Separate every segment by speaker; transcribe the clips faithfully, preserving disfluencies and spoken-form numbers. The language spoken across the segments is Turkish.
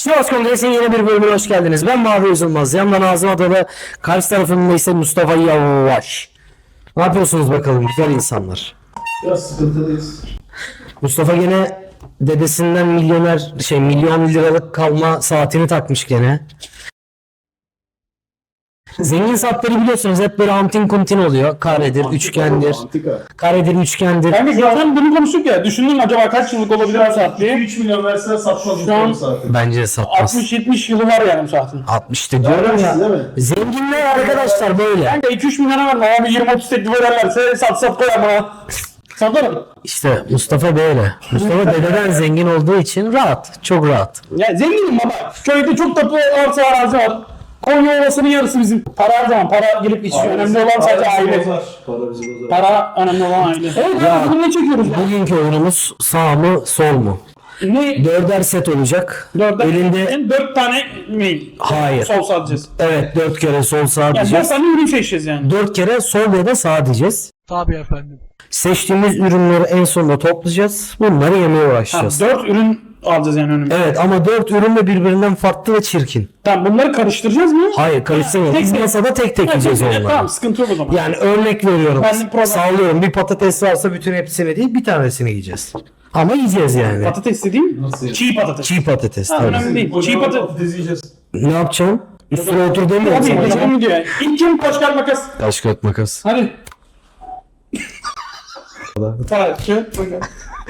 Speaker 1: Sivas Kongresi'nin yeni bir bölümüne hoş geldiniz. Ben Mavi Üzülmez. Yanımda Nazım Adalı, karşı tarafımda ise Mustafa Yavaş. Ne yapıyorsunuz bakalım güzel insanlar?
Speaker 2: Biraz sıkıntılıyız.
Speaker 1: Mustafa gene dedesinden milyoner şey milyon liralık kalma saatini takmış gene. Zengin saatleri biliyorsunuz hep böyle antin kuntin oluyor. Karedir, üçgendir.
Speaker 2: Antika.
Speaker 1: Karedir, üçgendir.
Speaker 3: Kanka zaten bunu konuştuk ya. Düşündüm acaba kaç yıllık olabilir bu saat diye.
Speaker 2: üç milyon verseler satmaz
Speaker 3: Şu an-
Speaker 2: bu saati.
Speaker 1: Bence satmaz.
Speaker 3: altmış yetmiş yılı var yani bu saatin.
Speaker 1: altmıştı diyorum ya.
Speaker 2: Değil mi?
Speaker 1: Zenginler arkadaşlar böyle.
Speaker 3: Kanka iki üç milyona verme abi yirmi otuz teklif ederlerse sat sat koy ama. Satarım.
Speaker 1: İşte Mustafa böyle. Mustafa dededen zengin olduğu için rahat. Çok rahat.
Speaker 3: Ya zenginim baba. Köyde çok tatlı arsa arazi var. Konya Ovası'nın yarısı bizim. Para her zaman para gelip istiyor. Önemli olan sadece aile.
Speaker 2: Bozar. Para bizi bozar.
Speaker 3: Para önemli olan aile. Evet ya. Bugün ne çekiyoruz ya?
Speaker 1: Bugünkü oyunumuz sağ mı sol mu?
Speaker 3: Ne?
Speaker 1: Dörder set olacak.
Speaker 3: Dörtte,
Speaker 1: Elinde
Speaker 3: dört tane mi?
Speaker 1: hayır.
Speaker 3: Sol satacağız.
Speaker 1: Evet dört kere sol sağ
Speaker 3: Yani dört
Speaker 1: diyeceğiz.
Speaker 3: tane ürün seçeceğiz yani.
Speaker 1: Dört kere sol ya da sağ diyeceğiz.
Speaker 3: Tabii efendim.
Speaker 1: Seçtiğimiz ürünleri en sonunda toplayacağız. Bunları yemeye
Speaker 3: Ha,
Speaker 1: başlayacağız.
Speaker 3: dört ürün alacağız yani önümüze.
Speaker 1: Evet ama dört ürün de birbirinden farklı ve çirkin.
Speaker 3: Tamam bunları karıştıracağız mı?
Speaker 1: Hayır karıştırmayalım.
Speaker 3: Tek
Speaker 1: Biz
Speaker 3: tek.
Speaker 1: masada tek tek yiyeceğiz
Speaker 3: Evet,
Speaker 1: onları.
Speaker 3: tamam sıkıntı yok o zaman.
Speaker 1: Yani örnek veriyorum.
Speaker 3: Ben de problem-
Speaker 1: Sallıyorum. Bir patates varsa bütün hepsini değil bir tanesini yiyeceğiz. Ama yiyeceğiz yani.
Speaker 3: Patates dediğim
Speaker 2: Nasıl?
Speaker 3: çiğ patates.
Speaker 1: Çiğ patates
Speaker 3: Ha,
Speaker 1: tabii.
Speaker 3: önemli değil. Çiğ
Speaker 2: Kocaman
Speaker 3: patates.
Speaker 2: patates yiyeceğiz.
Speaker 1: Ne yapacaksın? Üstüne otur demiyor
Speaker 3: Hadi
Speaker 1: musun?
Speaker 3: geçelim videoya. İlk kim taş kağıt makas?
Speaker 1: Taş kağıt makas.
Speaker 3: Hadi. Taş kağıt makas.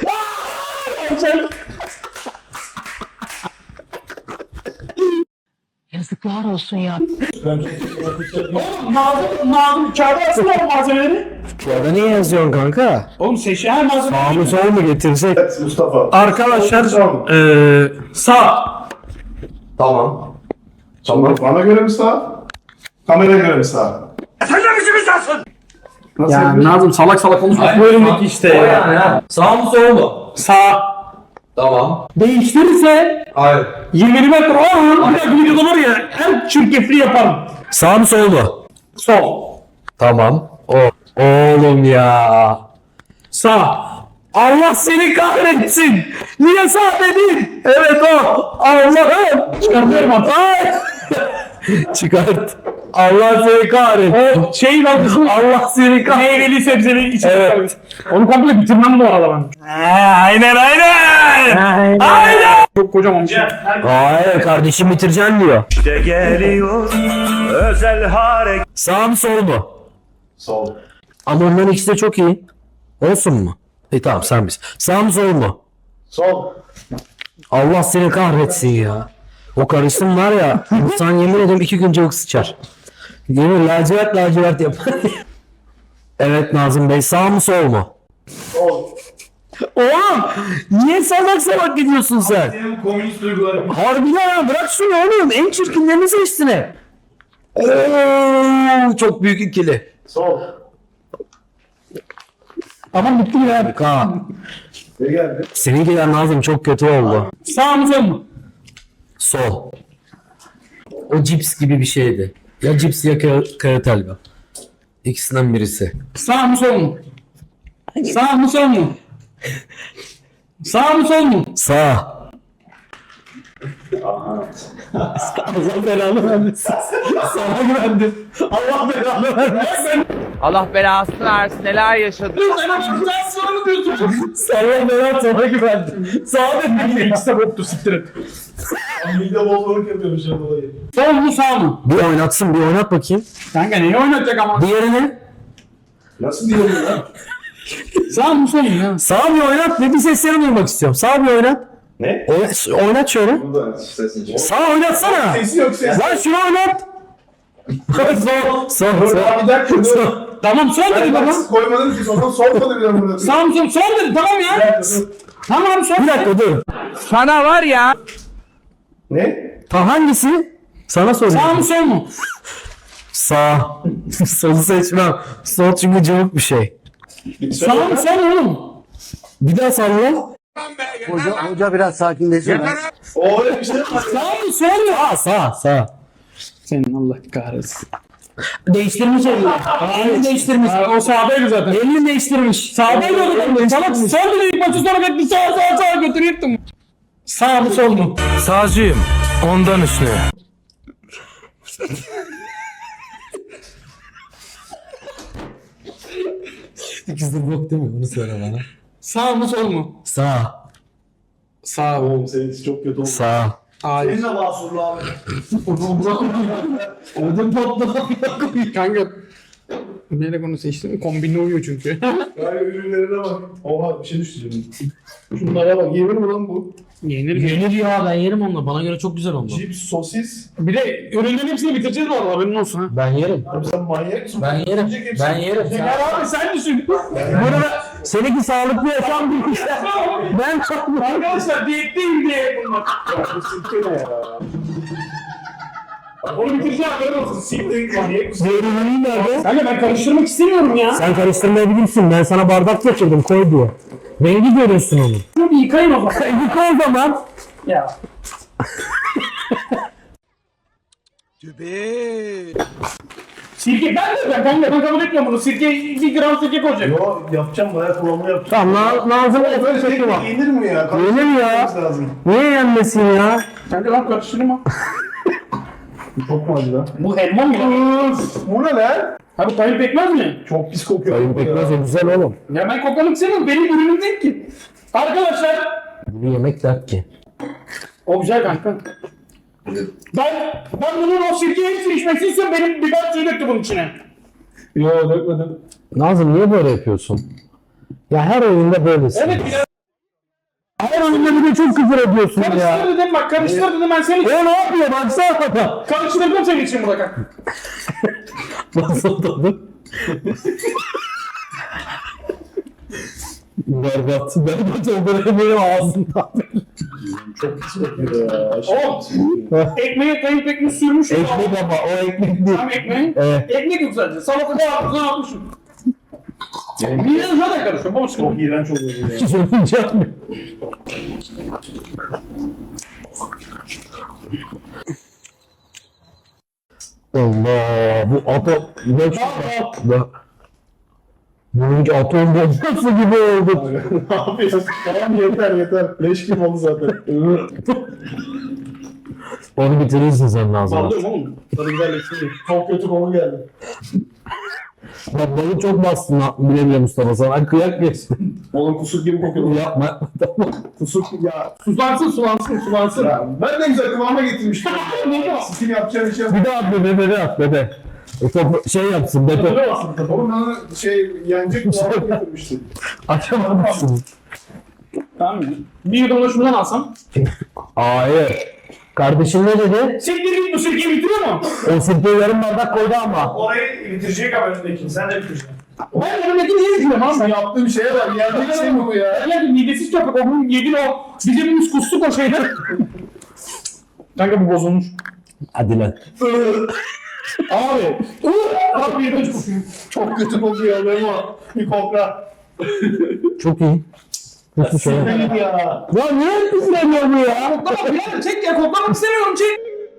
Speaker 4: Yazıklar olsun ya.
Speaker 3: Oğlum Nazım, Nazım kağıda yazsın oğlum malzemeleri.
Speaker 1: Ya da niye yazıyorsun kanka?
Speaker 3: Oğlum seç her malzeme.
Speaker 1: Sağ mı sol mu getirsek?
Speaker 2: Evet Mustafa.
Speaker 3: Arkadaşlar
Speaker 2: Tamam.
Speaker 3: eee sağ.
Speaker 2: Tamam. Tamam. Bana göre mi sağ? Kameraya göre mi sağ? Sen de bizi mi sağsın? Nasıl
Speaker 3: Ya
Speaker 2: yapıyorsun?
Speaker 3: Nazım salak salak konuşma. Bu önündeki işte ya.
Speaker 5: Sağ mı sol mu?
Speaker 3: Sağ.
Speaker 5: Tamam.
Speaker 3: Değiştirirse
Speaker 5: Hayır.
Speaker 3: yirmi metre o an bir dakika videoda var ya en çirkefli yaparım.
Speaker 1: Sağ mı sol mu?
Speaker 3: Sol.
Speaker 1: Tamam. O. Oğlum ya.
Speaker 3: Sağ.
Speaker 1: Allah seni kahretsin. Niye sağ dedin? Evet o. Allah'ım.
Speaker 3: Çıkartıyorum artık.
Speaker 1: Ay. Çıkart. Allah seni kahretsin.
Speaker 3: O şey lan
Speaker 1: Allah seni kahretsin.
Speaker 3: meyveli sebzeli içecek.
Speaker 1: Evet.
Speaker 3: Onu komple bitirmem bu arada ben.
Speaker 1: Aynen aynen. Aynen.
Speaker 3: Çok kocaman bir şey.
Speaker 1: Hayır kardeşim bitireceksin diyor.
Speaker 6: İşte geliyor özel hareket.
Speaker 1: Sağ mı sol mu?
Speaker 2: Sol.
Speaker 1: Ama onların ikisi de çok iyi. Olsun mu? E tamam sen biz. Sağ mı sol mu?
Speaker 2: Sol.
Speaker 1: Allah seni kahretsin ya. O karışım var ya. İnsan yemin ederim iki gün çabuk sıçar. Yemin lacivert lacivert yapar. Evet Nazım Bey sağ mı sol mu?
Speaker 2: Sol.
Speaker 1: Oğlum niye salak salak gidiyorsun sen?
Speaker 2: Senin komünist duyguların.
Speaker 1: Harbiden ya bırak şunu oğlum. En çirkinlerini seçtin hep. Oo, çok büyük ikili.
Speaker 2: Sol.
Speaker 3: Tamam bitti mi ya?
Speaker 1: Ka.
Speaker 2: Ne geldi?
Speaker 1: Seninkiler Nazım çok kötü oldu.
Speaker 3: Sağ mı sol mu?
Speaker 1: Sol. O cips gibi bir şeydi. Ya cips ya kağıt, kağıt helva. İkisinden birisi.
Speaker 3: Sağ mı sol mu? Sağ mı sol mu? Sağ mı sol mu?
Speaker 1: Sağ.
Speaker 3: Allah belanı vermesin. Sana güvendim. Allah belanı vermesin.
Speaker 7: Allah belasını versin neler yaşadık.
Speaker 3: Sana güzel soru diyorsun.
Speaker 1: Sana ben sana güvendim. Sağ dedim.
Speaker 3: İkisi de boktu siktir et.
Speaker 2: Milde bozuluk yapıyormuş ya dolayı.
Speaker 3: Sol mu sağ mı?
Speaker 1: Bir oynatsın bir oynat bakayım.
Speaker 3: Kanka neyi oynatacak ama?
Speaker 1: Diğerini
Speaker 2: Nasıl diyorum ya?
Speaker 3: Sağ mı sol mu ya?
Speaker 1: sağ bir oynat ve bir seslerini duymak istiyorum. Sağ bir oynat.
Speaker 2: Ne?
Speaker 1: Oynat, oynat şöyle.
Speaker 2: Burada sesin.
Speaker 1: Sağ oynatsana.
Speaker 2: Sesi yok ses.
Speaker 1: Lan şunu oynat. sol. Sol.
Speaker 2: Dur
Speaker 1: Sol.
Speaker 2: abi bir dakika dur.
Speaker 3: Tamam sol dedi
Speaker 2: Ben
Speaker 3: baba.
Speaker 2: bak koymadım ki sonra sormadı bile burada.
Speaker 3: Sağ mı sol? Sol dedi tamam
Speaker 2: Bir
Speaker 3: ya.
Speaker 2: dakika, dur.
Speaker 3: Tamam sol.
Speaker 1: Bir dakika dur.
Speaker 7: Sana var ya.
Speaker 2: Ne?
Speaker 1: Ta hangisi? Sana
Speaker 3: Sağ
Speaker 1: soruyorum.
Speaker 3: mı sol mu?
Speaker 1: Sağ. Solu seçmem. Sol çünkü cıvık bir şey.
Speaker 3: Sağ mı sol mu oğlum?
Speaker 1: Bir daha salla.
Speaker 2: O öyle bir şey mi?
Speaker 3: Sağ mı sol mu?
Speaker 1: Sağ sağ sağ.
Speaker 3: Senin Allah kahretsin.
Speaker 1: Değiştirmiş elini. Elini değiştirmiş.
Speaker 3: Ha, o sağdaydı zaten.
Speaker 1: Elini değiştirmiş.
Speaker 3: Sağdaydı o zaten. Salak sol dedi ilk maçı sonra gitti sağa sağa sağa götürüyordum. Sağ mı sol mu?
Speaker 6: Sağcıyım.
Speaker 1: Ondan üstüne. İkisi de bok değil mi? Onu söyle bana.
Speaker 3: Sağ mı sol mu?
Speaker 1: Sağ.
Speaker 3: Sağ.
Speaker 2: Oğlum senin çok kötü oldu.
Speaker 1: Sağ.
Speaker 3: Hayır.
Speaker 2: Senin de masurlu abi.
Speaker 3: Ödüm patladı. Kanka. Neyle konu seçtim? Kombinle uyuyor çünkü.
Speaker 2: Gayet ürünlerine bak. Oha bir şey düştü şimdi. Şunlara bak. Yenir mi lan bu?
Speaker 3: Yenir.
Speaker 1: Yenir ya, ben yerim onunla. Bana göre çok güzel oldu.
Speaker 2: Cips, sosis.
Speaker 3: Bir de ürünlerin hepsini bitireceğiz bu arada, haberin olsun ha.
Speaker 1: Ben yerim.
Speaker 2: Abi sen manyak mısın?
Speaker 1: Ben yerim.
Speaker 2: Yiyecek hepsini.
Speaker 1: Ben yerim.
Speaker 3: Ya abi sen düşün.
Speaker 1: Burada seninki sağlıklı yaşam değil işte. Ben çok
Speaker 3: Arkadaşlar diyetteyim diye bunlar.
Speaker 2: Ya bu sirke ne ya?
Speaker 3: Onu bitireceğim, haberin olsun.
Speaker 2: Siktir manyak mısın?
Speaker 1: Zeytinliği nerede?
Speaker 3: Kanka ben karıştırmak istemiyorum ya.
Speaker 1: Sen karıştırmayabilirsin. Ben sana bardak getirdim, koy diye. Rengi görüyorsun onu.
Speaker 3: Şunu bir yıkayın o zaman.
Speaker 1: Yıka o zaman.
Speaker 3: Ya. Sirke ben de ben kanka ben kabul etmiyorum bunu. Sirke bir gram sirke koyacak.
Speaker 2: Yo yapacağım bayağı kullanma yapacağım.
Speaker 1: Tamam, na Nazım
Speaker 2: Böyle
Speaker 1: Efe
Speaker 2: tek
Speaker 1: şekli var.
Speaker 2: tek yenir mi ya?
Speaker 1: Yenir ya.
Speaker 2: Karıştırmamız lazım.
Speaker 1: Niye yenmesin ya?
Speaker 3: Kanka lan karıştırma.
Speaker 2: Çok mu acı lan?
Speaker 3: Bu elma mı ya?
Speaker 2: Bu ne lan?
Speaker 3: Abi tayin pekmez mi?
Speaker 2: Çok pis kokuyor.
Speaker 1: Sayın Pekmez o güzel oğlum.
Speaker 3: Ya ben koklamak istemiyorum. Benim ürünüm değil ki. Arkadaşlar.
Speaker 1: Bu yemek dert ki.
Speaker 3: O güzel kanka. Ben, ben bunun o sirkeyi hepsini içmesini istiyorum. Benim biber suyu döktü bunun içine.
Speaker 2: Yo dökmedim.
Speaker 1: Nazım niye böyle yapıyorsun? Ya her oyunda böylesin.
Speaker 3: Evet biraz
Speaker 1: Her oyunda bir de çok küfür ediyorsun ya.
Speaker 3: karıştır dedim bak karıştır dedim ben seni.
Speaker 1: O ne yapıyor? Baksana da.
Speaker 3: Karıştırdım senin için burada kanka.
Speaker 1: Nasıl tadı? Berbat. Berbat olduğunu benim ağzımdan.
Speaker 2: Çok pis kokuyor ya. Aşırı
Speaker 3: Oğlum.
Speaker 2: pis kokuyor.
Speaker 3: Ekmeğe kayıp ekmek sürmüş.
Speaker 1: Ekmek ama o ekmek değil.
Speaker 3: Tam ekmeği.
Speaker 1: Evet.
Speaker 3: Ekmek yok sadece. Salatada ağzına atmışım. Niye zaten karışıyor? Baba
Speaker 2: Çok iğrenç oluyor bu ya.
Speaker 1: Hiç ölmeyecek mi? Allah bu atom ne çıktı? Bununki atom bombası gibi oldu.
Speaker 2: Ne yapıyorsun? Tamam yeter yeter. Leş gibi oldu zaten.
Speaker 1: Onu bitirirsin sen lazım.
Speaker 3: Sallıyorum oğlum.
Speaker 2: Tadı güzelleşsin diye. Çok kötü konu geldi.
Speaker 1: Bak balı çok bastın ha, bile bile Mustafa sana kıyak geçtin.
Speaker 2: Oğlum kusur gibi kokuyor.
Speaker 1: Yapma yapma tamam.
Speaker 2: Kusur ya.
Speaker 3: Sulansın sulansın sulansın.
Speaker 2: Ya ben de güzel kıvama getirmiştim.
Speaker 3: Ne o?
Speaker 2: Stil yapacağım bir şey yok.
Speaker 1: Bir daha at bebe bebe at bebe. O topu şey yapsın bebe.
Speaker 3: Öyle olsun.
Speaker 2: Oğlum bana şey yenecek kıvama getirmiştim.
Speaker 1: Açamadım şunu.
Speaker 3: Tamam mı? Bir yudum da şundan alsam.
Speaker 1: Hayır. Kardeşin ne dedi?
Speaker 3: Siktir git bu sirkeyi bitiriyor mu?
Speaker 1: O sirkeyi yarım bardak koydu ama.
Speaker 2: Orayı bitirecek ama önündeki. Sen de bitireceksin.
Speaker 3: Ben önümdeki niye bitiriyorum abi?
Speaker 2: Yaptığım şeye bak. Yenecek şey mi bu ya?
Speaker 3: Ya midesiz köpek o bunun yedin o. Biz hepimiz kustuk o şeyden. Kanka bu bozulmuş.
Speaker 1: Hadi lan.
Speaker 3: Abi. Abi yedim çok.
Speaker 2: Çok kötü kokuyor Memo. Bir kokla.
Speaker 1: Çok iyi. Kötü şey. Ya
Speaker 2: Benim ya.
Speaker 1: niye pişiremiyor bu ya?
Speaker 3: Koklama birader çek ya koklamak istemiyorum çek.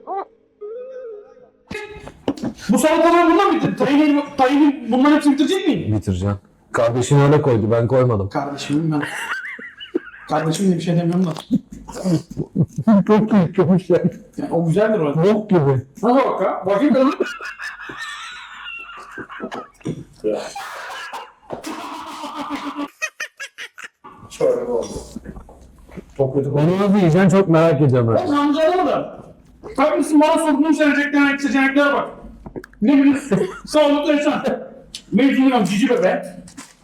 Speaker 3: Bu salataları bundan bitir. Tayinin, tayinin bunların hepsini bitirecek miyim?
Speaker 1: Bitireceğim. Kardeşin öyle koydu ben koymadım.
Speaker 3: Kardeşimim ben. Kardeşim diye bir şey demiyorum da.
Speaker 1: Çok iyi çok şey.
Speaker 3: Yani o güzeldir o.
Speaker 1: Bok gibi.
Speaker 3: Nasıl bak ha? Bakayım kadın.
Speaker 2: Şöyle oldu. Çok kötü kokuyor.
Speaker 1: Onu nasıl yiyeceksin çok merak ediyorum ben.
Speaker 3: Ben amcalarım da. Kardeşim bana sorduğun seçeneklerine seçeneklere bak. Ne biliyorsun? Sağlıklı yaşam. Mevzunum cici bebe.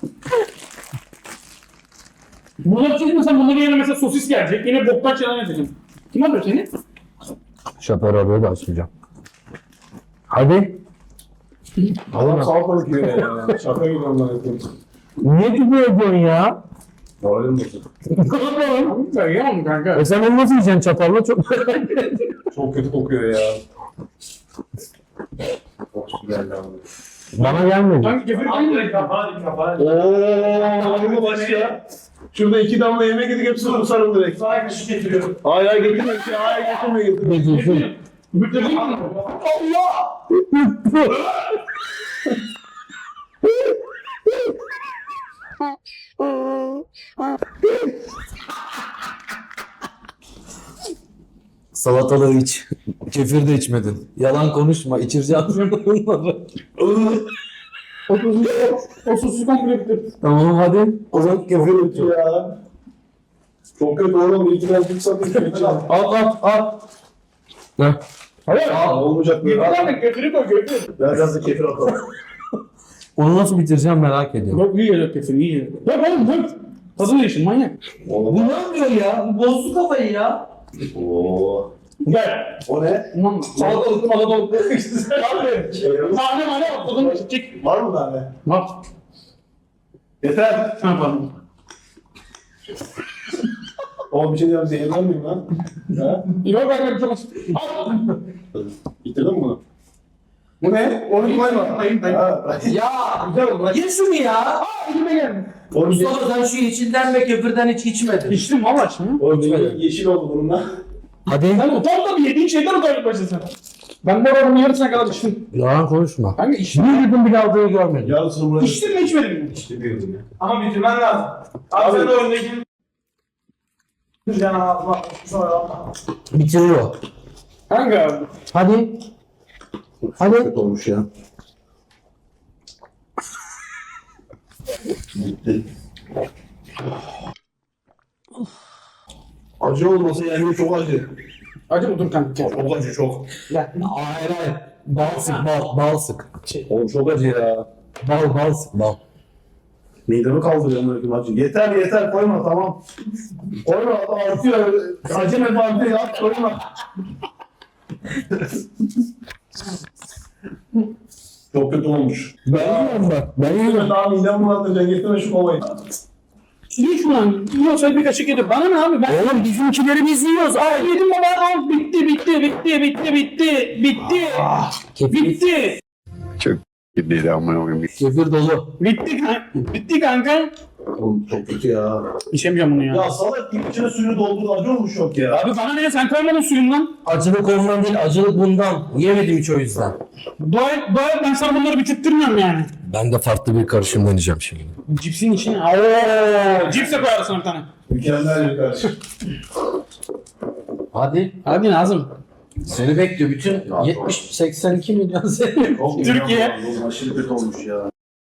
Speaker 3: Bunları çekmesen bunları yerine mesela sosis gelecek. Yine boktan şeyler edeceğim. Kim alıyor seni?
Speaker 1: Şoför arıyor da açmayacağım. Hadi.
Speaker 2: Adam salatalık yiyor ya. Şaka gibi ondan yapıyorum.
Speaker 1: Niye küfür ediyorsun ya?
Speaker 2: Moralim bozuk.
Speaker 3: Ben yiyemem kanka.
Speaker 1: E sen onu nasıl yiyeceksin çatalla çok
Speaker 2: Çok kötü kokuyor ya. Çok güzel abi.
Speaker 1: Bana gelmedi.
Speaker 3: Kanka kefir aynı.
Speaker 2: Kafa kafa. Ooo bu baş ya. Şurada iki damla yemek yedik hepsini kusarım direkt.
Speaker 3: Sana kaşık getiriyorum.
Speaker 2: Hayır hayır getirme bir şey. Hayır getirme getirme.
Speaker 1: Getirsin.
Speaker 3: Bitirdin mi?
Speaker 1: Salatalığı iç. Kefir de içmedin. Yalan konuşma. İçireceğim bunları.
Speaker 3: O sosu, o sosu komple bitir.
Speaker 1: Tamam hadi. O zaman kefir iç.
Speaker 2: Ya. Çok kötü oğlum. İyi ki ben bir satayım.
Speaker 1: Al al al. Ne?
Speaker 3: Hayır.
Speaker 2: Aa, olmayacak
Speaker 3: Götür
Speaker 2: böyle.
Speaker 3: lan götürü koy götür.
Speaker 2: Ben biraz da kefir atalım.
Speaker 1: Onu nasıl bitireceğim merak ediyorum.
Speaker 3: Yok iyi geliyor kesin iyi geliyor. Bak oğlum bak. Tadını değişin manyak.
Speaker 2: Oğlum.
Speaker 5: Bu ne yapıyor ya? Bu bozdu kafayı ya.
Speaker 2: Oo.
Speaker 3: Gel.
Speaker 2: O ne?
Speaker 3: Tamam. Salatalık salatalık. Abi. Tane mane bak tadını çek.
Speaker 2: Var mı tane?
Speaker 3: Bak.
Speaker 2: Yeter.
Speaker 3: Ne yapalım?
Speaker 2: Oğlum bir şey diyeceğim. Zehirler miyim lan? Ha?
Speaker 3: Yok bak bak çok az. Al.
Speaker 2: Bitirdin mi bunu? Bu ne? Onu koyma.
Speaker 3: Hayır hayır.
Speaker 2: Ha,
Speaker 5: Ya
Speaker 3: Güzel oldu.
Speaker 5: ye şunu ya.
Speaker 3: Aa elime geldi.
Speaker 2: Oğlum,
Speaker 5: Mustafa sen şu yeşilden ve köpürden hiç içmedin.
Speaker 3: İçtim valla içtim.
Speaker 2: oğlum benim yeşil oldu bununla.
Speaker 1: Hadi.
Speaker 3: Sen utan da bir yediğin şeyden utanıp başlasın. Ben bu oranın yarısına kadar içtim.
Speaker 1: Yalan konuşma.
Speaker 3: Kanka içtim.
Speaker 1: Bir yudum bile aldığını görmedim.
Speaker 2: Yarısını buraya...
Speaker 3: İçtin mi içmedin mi?
Speaker 2: İşte bir yudum ya.
Speaker 3: Ama bitirmen lazım. Abi sen de öndeki... Can ağzıma sonra
Speaker 1: Bitiriyor.
Speaker 3: Kanka
Speaker 1: Hadi. Hadi.
Speaker 2: Kötü olmuş ya. Bitti. Acı olmasa yani çok acı.
Speaker 3: acı mı dur kanka?
Speaker 2: Çok acı çok.
Speaker 3: Gel.
Speaker 1: Hayır hayır. Bal sık bal. Bal sık.
Speaker 2: Oğlum çok acı ya.
Speaker 1: Bal bal sık bal.
Speaker 2: Midemi kaldırıyor böyle acı. Yeter yeter koyma tamam. Koyma artıyor. Acı ne artıyor ya koyma. Çok kötü olmuş.
Speaker 1: Ben yiyorum bak. Ben
Speaker 2: Ben
Speaker 1: yiyorum.
Speaker 2: daha midem bulandıracaksın. Getirme şu kovayı.
Speaker 3: Ye şunu lan. Yiyorsa bir kaşık yedir. Bana ne abi ben...
Speaker 1: Oğlum bizimkileri biz yiyoruz.
Speaker 3: Aa yedim baba. Al bitti bitti bitti bitti bitti. Bitti.
Speaker 1: Kefir,
Speaker 3: Bitti.
Speaker 4: Gidiydi amına koyayım.
Speaker 1: kefir dolu.
Speaker 3: Bitti kanka. Bitti kanka.
Speaker 2: Oğlum çok kötü ya.
Speaker 3: İçemeyeceğim bunu ya.
Speaker 2: Ya salak gibi içine suyunu doldurdu. Acı olmuş yok ya.
Speaker 3: Abi bana ne sen koymadın suyundan.
Speaker 1: Acılık ondan değil, acılık bundan. Yemedim hiç o yüzden.
Speaker 3: Dua et, dua et ben sana bunları bitirttirmiyorum yani.
Speaker 1: Ben de farklı bir karışım deneyeceğim şimdi.
Speaker 3: Cipsin içine. Ooo. Cips de koyarsın bir tane.
Speaker 2: Mükemmel bir karışım.
Speaker 1: Hadi.
Speaker 3: Hadi Nazım.
Speaker 1: Seni bekliyor. Bütün yetmiş seksen iki milyon seni.
Speaker 2: Çok
Speaker 3: Türkiye.
Speaker 2: ya. Oğlum aşırı kötü olmuş ya.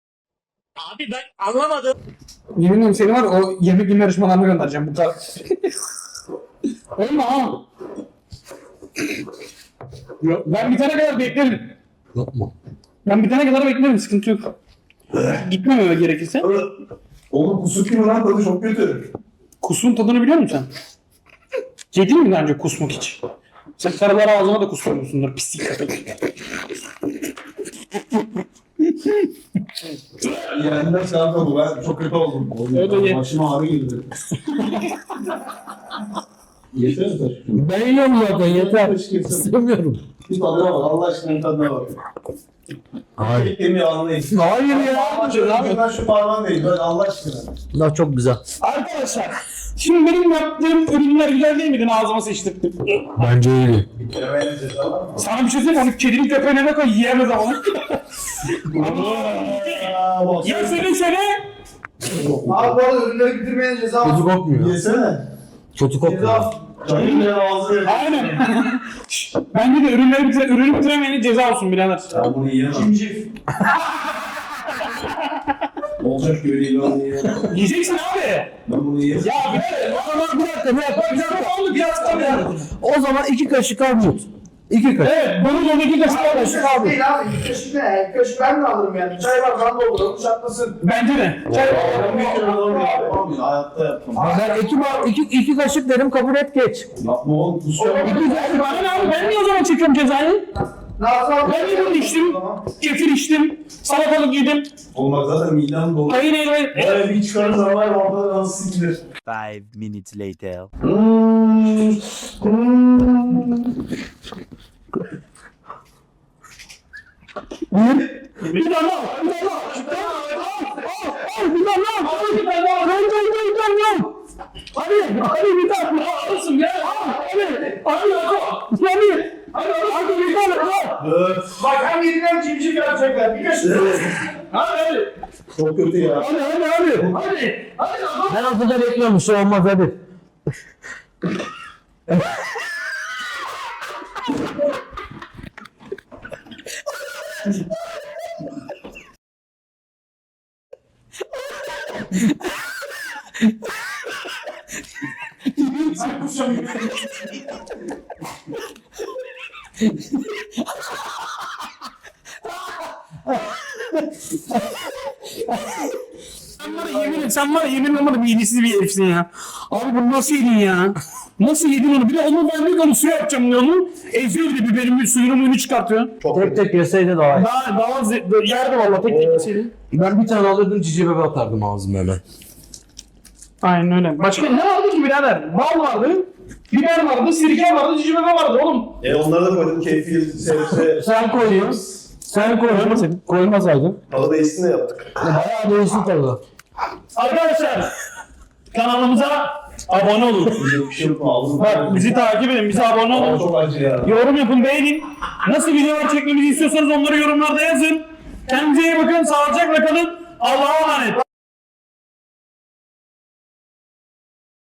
Speaker 3: Yemin ederim seni var o yemek yeme yarışmalarına göndereceğim bu kadar. Olma ha. Yok, ben bitene kadar beklerim.
Speaker 1: Yapma.
Speaker 3: Ben bitene kadar beklerim sıkıntı yok. Gitmem eve gerekirse.
Speaker 2: Oğlum kusuk gibi lan tadı çok kötü.
Speaker 3: Kusun tadını biliyor musun sen? Yedin mi daha önce kusmak hiç? Sen karılar ağzına da kusmuyorsundur pislik köpek.
Speaker 2: Yeniden şey yapmadım ben çok kötü oldum. Oğlum,
Speaker 3: Evet, evet.
Speaker 2: başıma ağrı girdi. Yeter mi taşıyorum?
Speaker 1: Ben yiyorum zaten yeter.
Speaker 2: Keşke-
Speaker 1: İstemiyorum.
Speaker 2: Bir tadına bak Allah aşkına tadına bak.
Speaker 1: Hayır.
Speaker 2: Kemiği anlayın.
Speaker 1: Hayır ya.
Speaker 2: Abi ben şu parmağım değil ben Allah aşkına.
Speaker 1: Bunlar çok güzel.
Speaker 3: Arkadaşlar şimdi benim yaptığım ürünler güzel değil miydi ağzıma seçtirdim.
Speaker 1: Bence iyi.
Speaker 2: Bir kere beğeneceğiz tamam mı?
Speaker 3: Sana bir şey söyleyeyim mi? Onu kedinin köpeğine de koy yiyemez ama.
Speaker 2: Aa, bak.
Speaker 3: Ya söyle söyle.
Speaker 2: Abi bu arada ürünleri bitirmeyen ceza
Speaker 1: Kötü kokmuyor.
Speaker 2: Yesene.
Speaker 1: Kötü kokmuyor.
Speaker 2: Ceza. Çayın ağzı.
Speaker 3: Aynen. Bence de ürünleri bitire, ürünü bitiremeyene ceza olsun birader.
Speaker 2: Ben bunu yiyemem. Cimcif. Olacak gibi değil ben bunu yiyemem.
Speaker 3: Yiyeceksin abi.
Speaker 2: Ben bunu yiyemem.
Speaker 3: Ya birader.
Speaker 1: Bir dakika, bir dakika, bir dakika, bir dakika. Bir dakika, bir dakika. O zaman iki kaşık armut. İki kaşık.
Speaker 3: Evet, bunu da iki kaşık al.
Speaker 1: Kaşık abi.
Speaker 2: Değil abi. Bir kaşık ne? Bir kaşık ben de alırım yani. Çay var ben dolduralım çatlasın.
Speaker 3: Bence de. Çay
Speaker 2: Ben bir kere alamıyorum. Hayatta yapmam.
Speaker 1: Ben iki, ba- iki, iki kaşık derim kabul et geç.
Speaker 2: Yapma oğlum. Kusura
Speaker 3: İki kaşık bana ne abi? Ben niye o zaman çekiyorum cezayı?
Speaker 2: Nazlı abi.
Speaker 3: Ben limon içtim. Kefir içtim. Salatalık yedim.
Speaker 2: Olmak zaten midem dolu.
Speaker 3: Hayır hayır hayır.
Speaker 2: Böyle bir çıkarır zaman var ortada nasıl sikilir.
Speaker 6: Five minutes later.
Speaker 3: Bir tane al. Bir tane al. Bir tane al. Al. Bir tane al. Al bir tane al. Al bir tane al. Bir tane al. Hadi. Hadi bir tane al. Alırsın ya. Al. Hadi. Hadi al. Hadi. Hadi hadi bir tane al.
Speaker 2: Bak hem yediler cimcik yapacaklar. Bir kaşık.
Speaker 3: Hadi hadi.
Speaker 2: Çok kötü ya.
Speaker 3: Hadi hadi hadi. Hadi. Hadi al.
Speaker 1: Ben ortada bekliyorum, bir şey olmaz hadi.
Speaker 3: Sen bana yemin et, sen bana yemin olmadı bir iyisiz bir herifsin ya. Abi bunu nasıl yedin ya? Nasıl yedin onu? Bir de onu ben bir onu suya yapacağım diyor onu. Eziyor bir de biberin suyunu muyunu çıkartıyor.
Speaker 2: Çok
Speaker 1: Tek tek yeseydi daha iyi.
Speaker 3: Daha, daha ze- yerdi valla tek tek yeseydi.
Speaker 1: Ben bir tane alırdım cici bebe atardım ağzıma hemen.
Speaker 3: Aynen öyle. Başka ne vardı ki birader? Bal vardı, biber vardı, sirke vardı, cici bebe vardı oğlum.
Speaker 2: E onları da koydum. Keyfi, sebze.
Speaker 1: Sen koydun. Sen koydun. Koymasaydın.
Speaker 2: Tadı değişsin de yaptık.
Speaker 1: Bayağı değişik tadı.
Speaker 3: Arkadaşlar kanalımıza abone olun.
Speaker 2: Bir şey yok mu? Ağzım.
Speaker 3: Bak bizi takip edin, bize abone olun.
Speaker 2: Çok acı ya.
Speaker 3: Yorum yapın, beğenin. Nasıl videolar çekmemizi istiyorsanız onları yorumlarda yazın. Kendinize iyi bakın, sağlıcakla kalın. Allah'a emanet.